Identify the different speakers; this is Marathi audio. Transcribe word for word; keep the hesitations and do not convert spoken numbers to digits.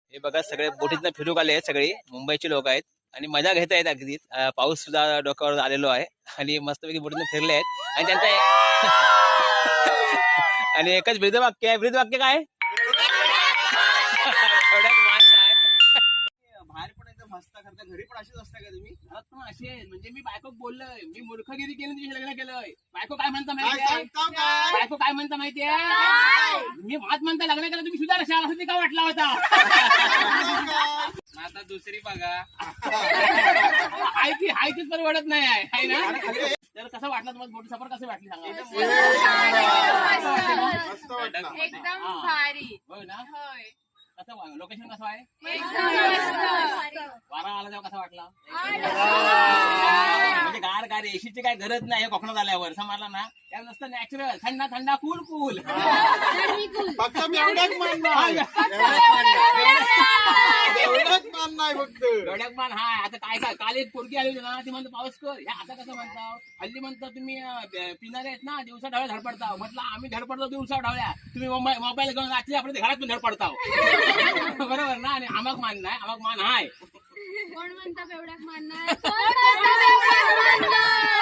Speaker 1: हे बघा सगळे बोटीतनं फिरू आले आहेत, सगळे मुंबईचे लोक आहेत आणि मजा घेत आहेत अगदी. पाऊस सुद्धा डोक्यावर आलेलो आहे आणि मस्तपैकी बोटीतनं फिरले आहेत आणि त्यांचा आणि एकच ब्रीदवाक्य आहे. ब्रीदवाक्य काय? एवढ्यात मान नाही. बाहेर पण एकदम हसता करता, घरी पण अशीच असता का तुम्ही?
Speaker 2: घरात पण असेल म्हणजे मी बायको बोललोय, मी मूर्खगिरी केली तुझ्या लग्न केलंय. बायको काय म्हणता माहितीये? बायको काय म्हणता माहितीये? मी भात म्हणता लग्न केलं तुम्ही सुद्धा रशाल असं ते का वाटला होता? आता दुसरी बघा. हाय ती हाय तीच परवडत नाही आहे, हाय ना? तर कसं वाटलं तुम्हाला मोठी सफर कसं वाटली सांगा?
Speaker 3: एकदम भारी.
Speaker 2: होय ना?
Speaker 3: होय.
Speaker 2: कसं लोकेशन कसं आहे?
Speaker 3: एकदम
Speaker 2: वारा आला तेव्हा कसा वाटला? म्हणजे गार गार एसीची काय गरज नाही कोकणात आल्यावर समजला ना. त्या नसतं नॅचरल थंडा थंडा कूल कूल.
Speaker 4: फक्त मी एवढ्याच मानणार एवढंच मानणार फक्त.
Speaker 2: डोळ्यात मान हाय. आता काय काय काल एक पोरगी आली होती ना, ती म्हणतो पाऊस कर. या आता कसं म्हणता हल्ली म्हणता तुम्ही पिणारे आहेत ना, दिवसा ढवळ्या धडपडता. म्हटलं आम्ही धडपडतो दिवसा ढवळ्या, तुम्ही मोबाईल घेऊन रात्री आपल्या घरात पण धडपडता. बरोबर ना? आणि आमक मान नाही, आमक मान हाय.
Speaker 3: कोण म्हणता एवढ्याच मानणार?